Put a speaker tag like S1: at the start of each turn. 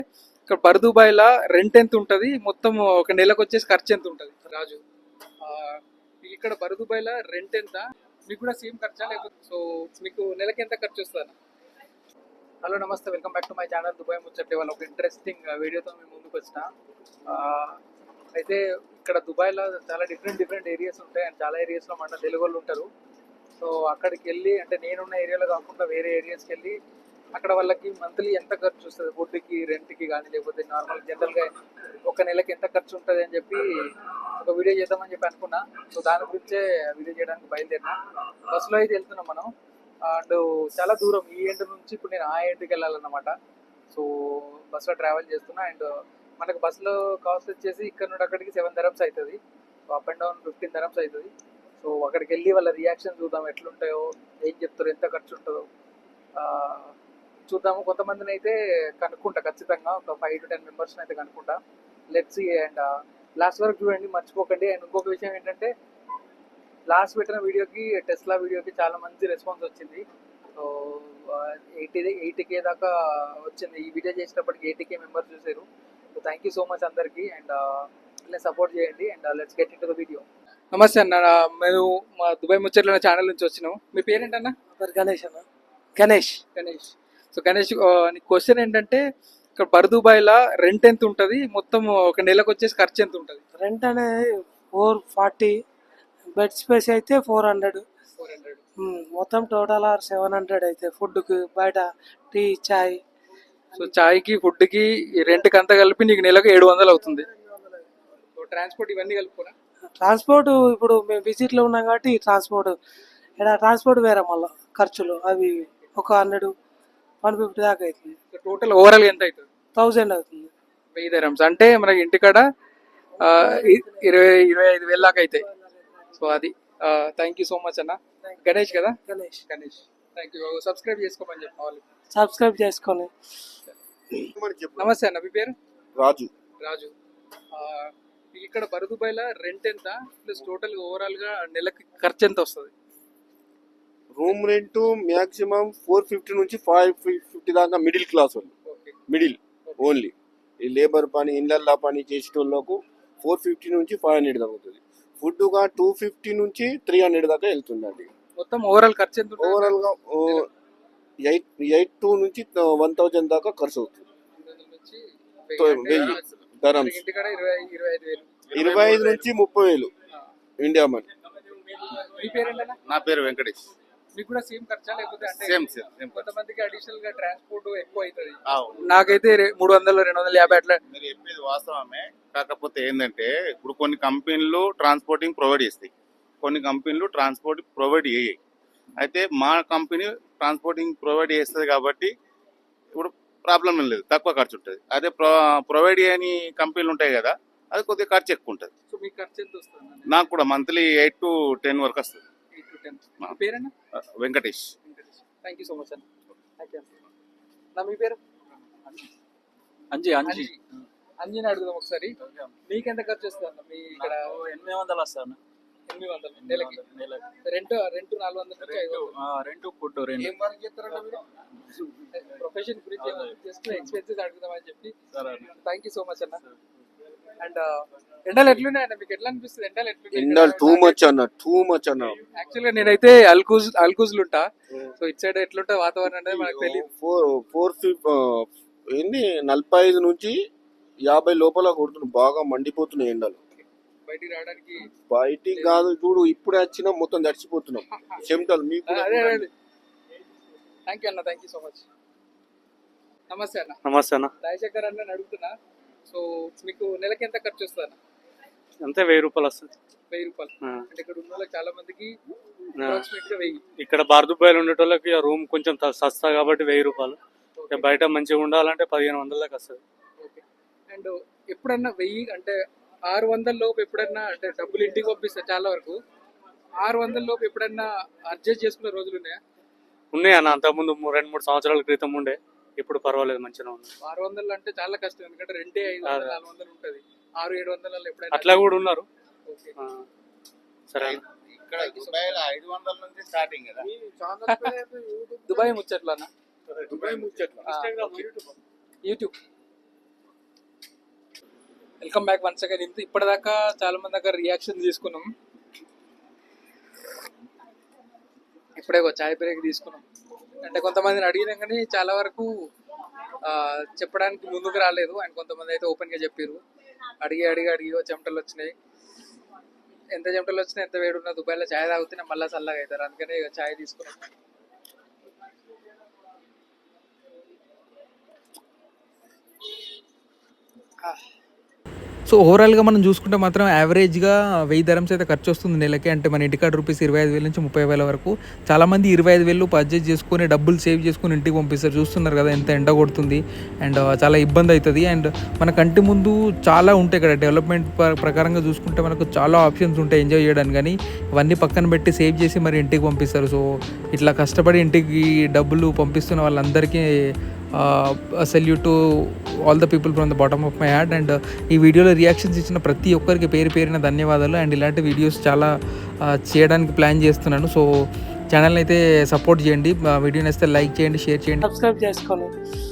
S1: ఇక్కడ బర్దుబాయ్‌లా రెంట్ ఎంత ఉంటది? మొత్తం ఒక నెలకు వచ్చేసి ఖర్చు ఎంత ఉంటది? రాజు. ఇక్కడ బర్దుబాయ్‌లా రెంట్ ఎంత? మీకు కూడా సేమ్ ఖర్చా లేకపోతే మీకు నెలకి ఎంత ఖర్చు వస్తదన్న? హలో నమస్తే, welcome back to my channel Dubai ముచ్చట్లు. ఇవాళ ఒక ఇంట్రెస్టింగ్ వీడియోతో మేము ముందుకు వచ్చిన. అయితే ఇక్కడ దుబాయ్లో చాలా డిఫరెంట్ ఏరియాస్ ఉంటాయి అండ్ చాలా ఏరియాస్లో మన తెలుగు వాళ్ళు ఉంటారు. సో అక్కడికి వెళ్ళి, అంటే నేనున్న ఏరియాలో కాకుండా వేరే ఏరియాస్కి వెళ్ళి అక్కడ వాళ్ళకి మంత్లీ ఎంత ఖర్చు వస్తుంది, ఫుడ్కి, రెంట్కి కానీ లేకపోతే నార్మల్ జనరల్గా ఒక నెలకి ఎంత ఖర్చు ఉంటుంది అని చెప్పి ఒక వీడియో చేద్దామని చెప్పి అనుకున్నా. సో దాని గురించే వీడియో చేయడానికి బయలుదేరినా. బస్సులో అయితే వెళ్తున్నాం మనం. అండ్ చాలా దూరం, ఈ ఎండ్ నుంచి ఇప్పుడు నేను ఆ ఎండ్కి వెళ్ళాలన్నమాట. సో బస్సులో ట్రావెల్ చేస్తున్నా. అండ్ మనకు బస్సులో కాస్ట్ వచ్చేసి ఇక్కడ నుండి అక్కడికి 7 dirhams అవుతుంది. So up and down 15 dirhams అవుతుంది. సో అక్కడికి వెళ్ళి వాళ్ళ రియాక్షన్ చూద్దాం, ఎట్లుంటాయో, ఏం చెప్తారో, ఎంత ఖర్చు ఉంటుందో చూద్దాము. కొంతమందిని అయితే కనుక్కుంటా ఖచ్చితంగా, ఒక 5 to 10 members అయితే కనుక్కుంటా. Let's see. అండ్ లాస్ట్ వరకు చూడండి, మర్చిపోకండి. అండ్ ఇంకొక విషయం ఏంటంటే, లాస్ట్ పెట్టిన వీడియోకి, టెస్లా వీడియోకి చాలా మంచి రెస్పాన్స్ వచ్చింది. సో 80K దాకా వచ్చింది. ఈ వీడియో చేసినప్పటికి 80K మెంబర్స్ చూసారు. So thank you so much అందరికీ. అండ్ సపోర్ట్ చేయండి. And let's get into the video. నమస్తే అన్న, మేము మా దుబాయ్ ముచ్చట్ల ఛానల్ నుంచి వచ్చినాం. మీ పేరేంటన్నా?
S2: గణేష్ అన్న. గణేష్.
S1: సో గణేష్, క్వశ్చన్ ఏంటంటే, ఇక్కడ బర్దుబాయ్‌లా రెంట్ ఎంత ఉంటది? మొత్తం ఒక నెలకు వచ్చేసి ఖర్చు ఎంత ఉంటది?
S2: రెంట్ అనేది 440, బెడ్ స్పేస్ అయితే 400. మొత్తం టోటల్ 700 అయితే ఫుడ్కి, బయట టీ, చాయ్.
S1: సో చాయ్కి, ఫుడ్కి, రెంట్కి అంతా కలిపి నీకు నెలకు 700 అవుతుంది. సో ట్రాన్స్పోర్ట్ ఇవన్నీ కలుపుకోనా?
S2: ట్రాన్స్పోర్ట్ ఇప్పుడు మేము విజిట్లో ఉన్నాం కాబట్టి ట్రాన్స్పోర్ట్ వేరే, మళ్ళీ ఖర్చులు అవి ఒక 100-150 దాకా అవుతుంది.
S1: సో టోటల్ ఓవరాల్ ఎంత అవుతుంది?
S2: 1000 అవుతుంది.
S1: 1000 dirhams అంటే మనకి ఇంటికాడ 25,000 దాకా అవుతాయి. సో అది. థ్యాంక్ యూ సో మచ్ అన్న. గణేష్ కదా?
S2: గణేష్.
S1: Thank you. సబ్స్క్రైబ్ చేసుకోమని చెప్పాలి.
S2: సబ్స్క్రైబ్ చేసుకొని.
S1: నమస్తే అన్న, మీ పేరు?
S3: రాజు.
S1: ఇక్కడ బర్దుబాయ్‌లా రెంట్ ఎంత, ప్లస్ టోటల్ ఓవరాల్ గా నెలకి ఖర్చు ఎంత వస్తుంది?
S3: రూమ్ రెంట్ మాక్సిమం 450 నుంచి 550 దాకా మిడిల్ క్లాస్ వాళ్ళు. మిడిల్ ఓన్లీ ఈ లేబర్ పని, ఇళ్ళల్లో పని చేసేటోళ్ళకు 450 నుంచి 500 దాకా అవుతుంది. ఫుడ్ గా 250 నుంచి 300 దాకా వెళ్తుందండి.
S1: మొత్తం ఓవరాల్ ఖర్చు ఎంత?
S3: ఓవరాల్ గా 82 నుంచి 1000 దాకా ఖర్చు అవుతుంది. 1000 dirhams. 25 నుంచి 30,000 ఇండియా మనీ.
S1: మీ పేరేంటన్నా?
S4: నా పేరు వెంకటేష్.
S1: మీకు కూడా సేమ్ ఖర్చా లేకపోతే? అంటే
S4: సేమ్.
S1: కొంతమందికి అడిషనల్ గా ట్రాన్స్పోర్ట్ ఎక్కువ అవుతుంది. నాకైతే 300-250 అట్లా.
S4: మీరు చెప్పేది వాస్తవమే. కాకపోతే ఏంటంటే, ఇప్పుడు కొన్ని కంపెనీలు ట్రాన్స్పోర్టింగ్ ప్రొవైడ్ చేస్తాయి, కొన్ని కంపెనీలు ట్రాన్స్పోర్ట్ ప్రొవైడ్ చేయయి. అయితే మా కంపెనీ ట్రాన్స్పోర్టింగ్ ప్రొవైడ్ చేస్తుంది కాబట్టి ఇప్పుడు ప్రాబ్లం ఏం లేదు, తక్కువ ఖర్చు ఉంటుంది. అదే ప్రొవైడ్ చేయని కంపెనీలు ఉంటాయి కదా, అది కొద్దిగా ఖర్చు ఎక్కువ ఉంటుంది.
S1: సో మీకు ఖర్చు ఎంత వస్తుంది?
S4: నాకు కూడా మంత్లీ 8 to 10 వరకు వస్తుంది.
S1: 8 to 10. పేరేనా?
S4: Venkatesh.
S1: Thank you so much అన్న. నా మీ పేరు? అంజీని అడుగుదాం ఒకసారి. మీకు ఎంత ఖర్చు వస్తుంది అన్న? మీ ఇక్కడ
S5: 800 వస్తాను.
S1: 800 నెలకి. రెంట్ 400 నుంచి 500.
S5: రెంట్ ఫుడ్
S1: ప్రొఫెషన్ గురించి జస్ట్ ఎక్స్పెన్సెస్ అడుగుదామని చెప్పి. థ్యాంక్ యూ సో మచ్ అన్న. అండ్ ఎండలు ఎట్లున్నాయన్న, మీకు ఎట్లా అనిపిస్తుంది?
S3: ఎండలు టూ మచ్ అన్న.
S1: యాక్చువల్గా నేనైతే అల్కూజ్ ఉంటా. సో ఇటు సైడ్ ఎట్లుంటుంది వాతావరణం అనేది మనకు తెలియదు.
S3: 45 నుంచి 50 లోపల కొడుతుంది. బాగా మండిపోతున్నాయి ఎండలు. బయటికి కాదు, చూడు ఇప్పుడే వచ్చినా మొత్తం తడిచిపోతున్నాం చెమటలు. మీకు
S1: థ్యాంక్ యూ అన్న. Thank you so much. నమస్తే అన్న. రాజశేఖర్ అన్న అడుగుతున్నా. సో మీకు నెలకి ఎంత ఖర్చు వస్తుంది అన్న?
S5: అంతే 1000 రూపాయలు వస్తుంది.
S1: 1000 రూపాయలు అంటే ఇక్కడ ఉన్న వాళ్ళకి చాలా మందికి అప్రాక్సిమేట్ గా 1000.
S5: ఇక్కడ బర్దుబాయ్‌లో ఉండేటోళ్ళకి రూమ్ కొంచెం సస్తా కాబట్టి 1000 రూపాయలు. బయట మంచిగా ఉండాలంటే 1500 దాకా వస్తుంది.
S1: అండ్ ఎప్పుడన్నా 1000 అంటే 600 లోపు ఎప్పుడన్నా, అంటే డబ్బులు ఇంటికి పంపిస్తారు చాలా వరకు, 600 లోపు ఎప్పుడన్నా అడ్జస్ట్ చేసుకునే రోజులు ఉన్నాయా?
S5: ఉన్నాయి అన్న. అంతకుముందు 2-3 సంవత్సరాల క్రితం ఉండే, ఇప్పుడు పర్వాలేదు, మంచిగా ఉంది.
S1: 600 అంటే చాలా కష్టం, ఎందుకంటే రెంటే 500-400 ఉంటుంది. 600-700 ఎప్పుడైనా
S5: అట్లా కూడా ఉన్నారు. సరే.
S4: ఇక్కడ దుబాయ్లో 500 నుంచి స్టార్టింగ్ కదా.
S1: దుబాయ్ ముచ్చట్లన్నా.
S3: దుబాయ్ ముచ్చట్లు
S1: YouTube welcome back once again. ఇప్పటిదాకా చాలా మంది దగ్గర రియాక్షన్ తీసుకున్నాం, ఇప్పుడే ఒక చాయ్ బ్రేక్ తీసుకున్నాం. అంటే కొంతమందిని అడిగినాం కానీ చాలా వరకు చెప్పడానికి ముందుకు రాలేదు, అండ్ కొంతమంది అయితే ఓపెన్గా చెప్పారు. అడిగి చెమటలు వచ్చినాయి. ఎంత చెమటలు వచ్చినా ఎంత వేడున్నా దుబాయ్లో చాయ్ తాగితేనే మళ్ళీ చల్లగా అవుతారు, అందుకనే ఇక చాయ్ తీసుకున్నాం. సో ఓవరాల్గా మనం చూసుకుంటే మాత్రం యావరేజ్గా 1000 dirhams అయితే ఖర్చు వస్తుంది నెలకి. అంటే మన ఇంటికాడ రూపీస్ 25,000 నుంచి 30,000 వరకు. చాలామంది 25,000 పర్చేజ్ చేసుకొని డబ్బులు సేవ్ చేసుకొని ఇంటికి పంపిస్తారు. చూస్తున్నారు కదా ఎంత ఎండ కొడుతుంది, అండ్ చాలా ఇబ్బంది అవుతుంది. అండ్ మన కంటి ముందు చాలా ఉంటాయి ఇక్కడ. డెవలప్మెంట్ ప్రకారంగా చూసుకుంటే మనకు చాలా ఆప్షన్స్ ఉంటాయి ఎంజాయ్ చేయడానికి, కానీ ఇవన్నీ పక్కన పెట్టి సేవ్ చేసి మరి ఇంటికి పంపిస్తారు. సో ఇట్లా కష్టపడి ఇంటికి డబ్బులు పంపిస్తున్న వాళ్ళందరికీ salute to all the people from the bottom of my heart. And ఈ వీడియోలో రియాక్షన్స్ ఇచ్చిన ప్రతి ఒక్కరికి పేరున ధన్యవాదాలు. అండ్ ఇలాంటి వీడియోస్ చాలా చేయడానికి ప్లాన్ చేస్తున్నాను. సో ఛానల్ని అయితే సపోర్ట్ చేయండి, వీడియోని అయితే లైక్ చేయండి, షేర్ చేయండి,
S2: సబ్స్క్రైబ్ చేసుకోండి.